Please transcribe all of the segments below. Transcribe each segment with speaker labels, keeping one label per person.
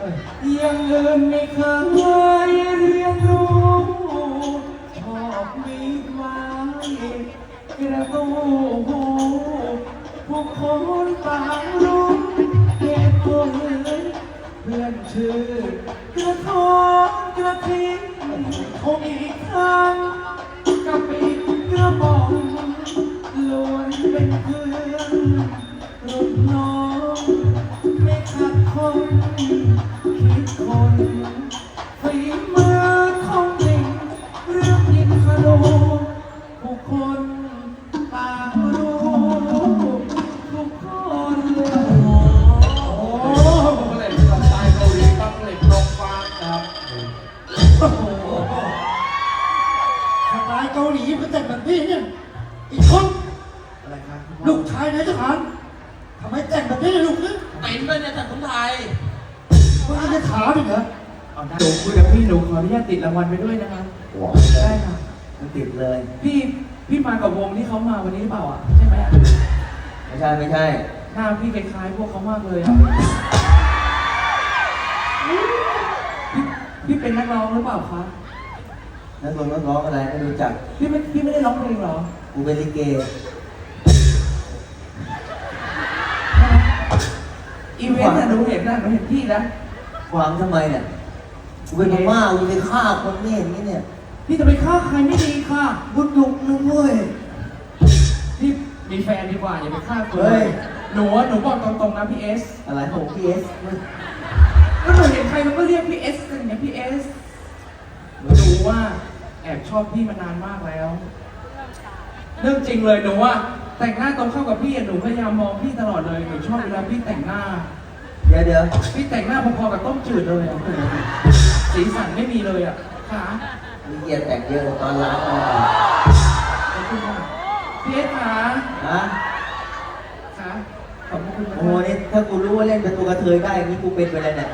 Speaker 1: ยังเงินไม่เคยเรียนรู้ชอบมีไว้กระตูผู้คนต่างรู้เหตุผลเพื่อนชื่อกระทงกระทิ้งคงอีกครั้งกับอีกกระบอกล้วนเป็นเพื่อนรุ่นน้องไม่ขัดคนคิดคนฝีมือของจริงเรื่องยิงขลุผู้คนต่างรู้ทุกคนโอ้
Speaker 2: เหล็กสไตล์เกาหลีครับเหล็กตรงฟางครับ
Speaker 3: โอ้โหสไตล์เกาหลีมันแต่งแบบนี้เนี่ยอีกคน
Speaker 2: อะไรครับ
Speaker 3: ลูกชายนายทหารทำไมแต่งแบบนี้ลูกเนี่ย
Speaker 4: เป็นด้วยเนี่ยแต่คนไทย
Speaker 3: มึงจะถามอีกเหรอ
Speaker 1: เอาได้หนูคุยกับพี่หนูขออนุญาตติดรางวัลไปด้วยนะคะ
Speaker 2: ว้าว
Speaker 1: ได้ค่ะ
Speaker 2: มันติดเลย
Speaker 1: พี่มากับวงที่เขามาวันนี้หรือเปล่าอ่ะใช่ไหมอ่ะ
Speaker 2: ไม่ใช่ไม่ใช่
Speaker 1: หน้าพี่คล้ายๆพวกเขามากเลยอ่ะพี่เป็นนักร้องหรือเปล่าคะ
Speaker 2: นักร้องอะไรไม่รู้จัก
Speaker 1: พี่ไม่ได้ร้องเพลงเหรอ
Speaker 2: กูเป็นลิเก
Speaker 1: อีเวนต์น่ะหนูเห็นพี่นะ
Speaker 2: ขวางทำไมเนี่ยกูเป็นพม่ากูไปฆ่าคนไม่เห็นนี่เนี่ย
Speaker 1: พี่จะไปฆ่าใครไม่ดีค่ะ
Speaker 2: บุญลุกนึงเว้ย
Speaker 1: พี่มีแฟนดีกว่าอย่าไปฆ่าคน
Speaker 2: เฮ้ย
Speaker 1: หนูบอกตรงๆนะพี่เอส
Speaker 2: อะไรของพีเอส
Speaker 1: ก็หนูเห็นใครมันก็เรียกพี่เอสอย่างเงี้ยพี่เอสหนูรู้ว่าแอบชอบพี่มานานมากแล้วเรื่องจริงเลยหนูว่าแต่งหน้าตรงเข้ากับพี่หนูพยายามมองพี่ตลอดเลยหนูชอบเวลาพี่แต่งหน้า
Speaker 2: เดี๋ยว
Speaker 1: พี่แต่งหน้าพอๆกับต้มจืดเลยอ่ะสีสันไม่มีเลยอ่ะค่ะ
Speaker 2: มีเกียรแต่งเยอะตอนล้างมา
Speaker 1: ขอบคุณค่ะพี่เอสค่ะ
Speaker 2: ฮะ
Speaker 1: ค่ะขอบคุณนะ
Speaker 2: โอ้โหนี่ถ้ากูรู้ว่าเล่นเป็นตัวกระเทยได้อย่างนี้กูเป็นไปแล้วเนี่ย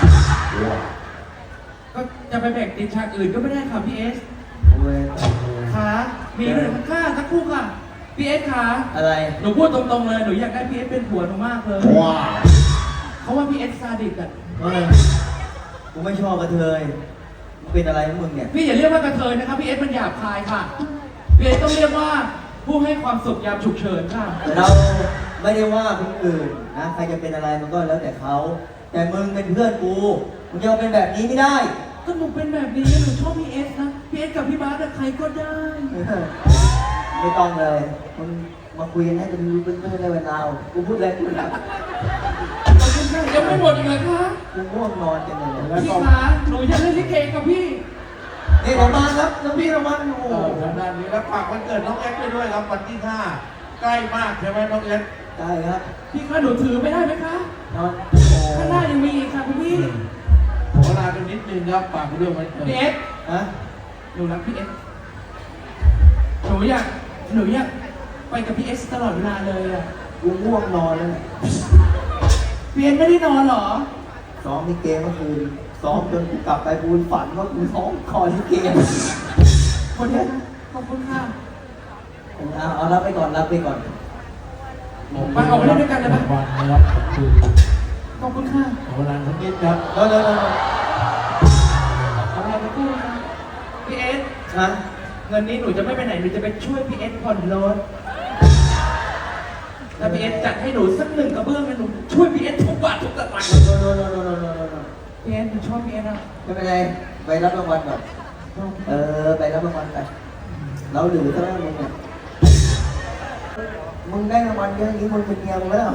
Speaker 1: ก็จะไปแบ่งติดฉากอื่นก็ไม่ได้ค่ะพี่เอส
Speaker 2: โอ้ย
Speaker 1: ค่ะมีหนึ่งค่ะสักครู่ค่ะพี่เอสค่ะ
Speaker 2: อะไร
Speaker 1: หนูพูดตรงๆเลยหนูอยากได้พี่เอสเป็นผัวหนูมากเลย
Speaker 2: ว้าว
Speaker 1: เขาว่าพี่เอสซาดิสอ่ะ
Speaker 2: เฮ้ยกูไม่ชอบกระเทยมึงเป็นอะไรของมึงเนี่ย
Speaker 1: พี่อย่าเรียกว่ากระเทยนะครับพี่เอสมันหยาบคายค่ะพี่เอสต้องเรียกว่าผู้ให้ความสุขยามฉุกเฉินค่ะ
Speaker 2: เราไม่ได้ว่าคนอื่นนะใครจะเป็นอะไรมันก็แล้วแต่เขาแต่มึงเป็นเพื่อนกูมึงจะมาเป็นแบบนี้ไม่ได้
Speaker 1: ก็หนูเป็นแบบนี้หนูชอบพี่เอสนะพี่เอสกับพี่บาสอะใครก็ได้
Speaker 2: ไม่ต้องเลยมึงมาคุยกันให้เป็นรู้เป็นเรื่องในเวลากูพูดอะไรกูหลับ
Speaker 1: ขอบคุณค่ะยังไม่หมดอีกเหรอคะ
Speaker 2: กูง่วงนอนจังเลย
Speaker 1: พี่คะหนูอยากเล่นลิเกกับพี่
Speaker 2: นี่ประมาณครับน้องพี่ประมาณโอ้โห
Speaker 5: ทางด้านนี้แล้วฝากวันเกิดน้องแอ๊กไปด้วยครับวันที่5ใกล้มากใช่ไหมน้องแอ๊ก
Speaker 2: ได้ครับ
Speaker 1: พี่คะหนูถือไม่ได้ไหมคะ
Speaker 2: นอน
Speaker 1: ข้างหน้ายังมีอีกค่ะคุณพี่
Speaker 5: ขอเวลากันนิดนึงครับฝากเรื่องวันเกิด
Speaker 1: พี่เอส
Speaker 2: ฮะ
Speaker 1: หนูรักพี่เอสหนูอยากไปกับพี่เอสตลอดเวลาเลยอะ
Speaker 2: กูง่วงนอนแล้วเนี่ย
Speaker 1: พี่เอสไม่ได้นอนเหรอ
Speaker 2: ซ้อมลิเกเมื่อคืนซ้อมจนกูกลับไปบูนฝันว่ากูซ้อมคอลิเก
Speaker 1: คนนี้นะขอบคุณค่ะ
Speaker 2: เอารับไปก่อนรับไปก่อน
Speaker 1: ไปออกไปเล่นด้วยกันเลยปะ
Speaker 5: วันนะครับขอบคุณ
Speaker 1: ขอบคุณค่ะ
Speaker 5: ขอเวลาสักนิดครับ
Speaker 2: เร็ว
Speaker 1: ขอเราไปกู้นะพี่เอส
Speaker 2: ฮะ
Speaker 1: เงินนี้หนูจะไม่ไปไหนหนูจะไปช่วยพี่เอสผ่อนรถถ้าพี่เอสจัดให้หนูสักหนึ่งกระเบื้องนะหนูช่วยพี่เอสทุกบาททุกสตางค์
Speaker 2: โน
Speaker 1: พี่เอสหนูชอบพี่เอสอะ
Speaker 2: ไม่เป็นไรไปรับรางวัลก่อนไปรับรางวัลไปเราเหลือเท่านั้นมึงเนี่ยมึงได้รางวัลเยอะอย่างนี้มึงเป็นเมียมึงแล้ว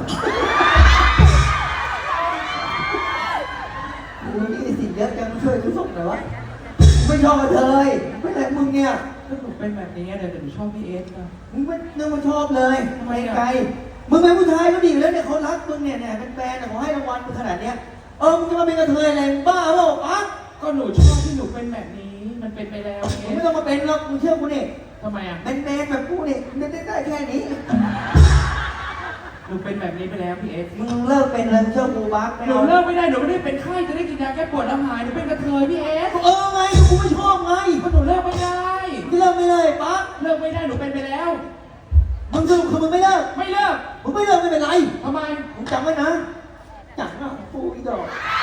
Speaker 2: มึงนี่สิเยอะจังช่วยกูส่งหน่อยวะไม่ชอบกระเทยไม่ใช่มึงเนี่ย
Speaker 1: ถ้าหนูเป็นแบบนี้เดี๋ยวหนูชอบพี่เอสนะ
Speaker 2: มึงไม่นึกว่าชอบเลย
Speaker 1: ทำไมอะ
Speaker 2: ไกลมึงเป็นผู้ชายก็ดีอยู่แล้วเนี่ยเขารักมึงเนี่ยเป็นแฟนแต่เขาให้รางวัลมึงขนาดเนี้ยมึงจะมาเป็นกระเทยอะไรมึงบ้าเปล่าปั๊ก
Speaker 1: ก็หนูชอบที่หนูเป็นแบบนี้มันเป็นไปแล้วเอ
Speaker 2: มึงไม่
Speaker 1: ส
Speaker 2: ต้องมาเป็นหรอกมึงเชื่อกูนี่
Speaker 1: ทำไมอะ
Speaker 2: เป็นแมนแบบกูนี่มันได้แค่นี้
Speaker 1: หนูเป็นแบบนี้ไปแล้วพี่เอส
Speaker 2: มึงเลิกเป็นเลยมึงเชื่อกูปั๊กไม่
Speaker 1: หนู
Speaker 2: เอา
Speaker 1: เลิกไม่ได้หนูไม่ได้เป็นไข้จะได้กินยาแก้ปวดแล้วหายหนูเป็นกระเทยพี่เอส
Speaker 2: ไงกูไม่ชอบไง
Speaker 1: ก็หนูเลิกไม่ได้
Speaker 2: มึงเลิกไม่เลยปั๊ก
Speaker 1: เลิกไม่ได้หนูเป็นไปแล้ว
Speaker 2: มึงสรุปคือมึงไม่เลิก
Speaker 1: ไม่เลิก
Speaker 2: มึงไม่เลิกไม่เป็นไร
Speaker 1: ทำไม
Speaker 2: มึงจำไว้นะจังนะกูอีดอก